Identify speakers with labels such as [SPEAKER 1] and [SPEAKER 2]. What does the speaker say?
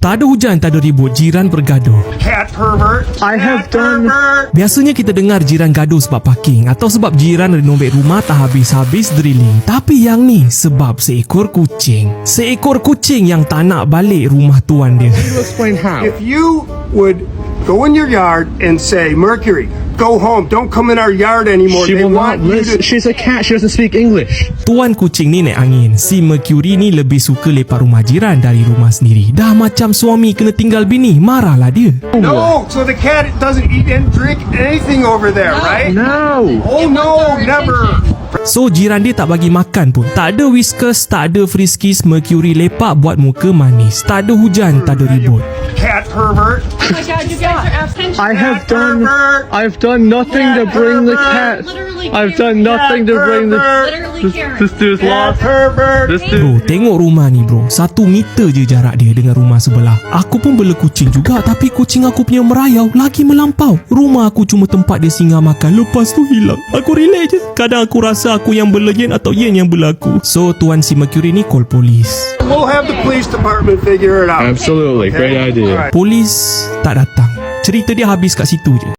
[SPEAKER 1] Tak ada hujan, tak ada ribut, jiran bergaduh.
[SPEAKER 2] Cat pervert.
[SPEAKER 3] I have done.
[SPEAKER 1] Biasanya kita dengar jiran gaduh sebab parking atau sebab jiran renovate rumah tak habis-habis drilling. Tapi yang ni sebab seekor kucing. Seekor kucing yang tak nak balik rumah tuan dia.
[SPEAKER 3] You explain how.
[SPEAKER 2] If you would go in your yard and say, Mercury, go home, don't come in our yard anymore.
[SPEAKER 3] She
[SPEAKER 2] They
[SPEAKER 3] will not
[SPEAKER 2] want you
[SPEAKER 3] listen.
[SPEAKER 2] to...
[SPEAKER 3] She's a cat. She doesn't speak English.
[SPEAKER 1] Tuan kucing ni naik angin. Si Mercury ni lebih suka lepak rumah jiran dari rumah sendiri. Dah macam suami kena tinggal bini, marahlah dia.
[SPEAKER 2] No, so the cat doesn't eat and drink anything over there, right?
[SPEAKER 3] No.
[SPEAKER 2] Oh no, never.
[SPEAKER 1] So jiran dia tak bagi makan pun. Tak ada Whiskas, tak ada Friskies. Mercury lepak buat muka manis. Tak ada hujan, tak ada ribut.
[SPEAKER 2] Cat pervert.
[SPEAKER 4] Oh my God, you guys are absent.
[SPEAKER 3] I have done. I've done nothing to bring the cat. I've done nothing to bring the.
[SPEAKER 4] Literally Karen.
[SPEAKER 3] This dude's
[SPEAKER 2] Cat
[SPEAKER 3] lost.
[SPEAKER 2] pervert.
[SPEAKER 3] This dude.
[SPEAKER 1] Bro, tengok rumah ni bro. 1 meter je jarak dia dengan rumah sebelah. Aku pun bela kucing juga, tapi kucing aku punya merayau lagi melampau. Rumah aku cuma tempat dia singgah makan, lepas tu hilang. Aku relax je. Kadang aku rasa aku yang bela Yen atau Yen yang bela aku. So tuan si Mercury ni call polis.
[SPEAKER 2] We'll have the police department figure it out.
[SPEAKER 3] Absolutely, great idea.
[SPEAKER 1] Polis tak datang. Cerita dia habis kat situ je.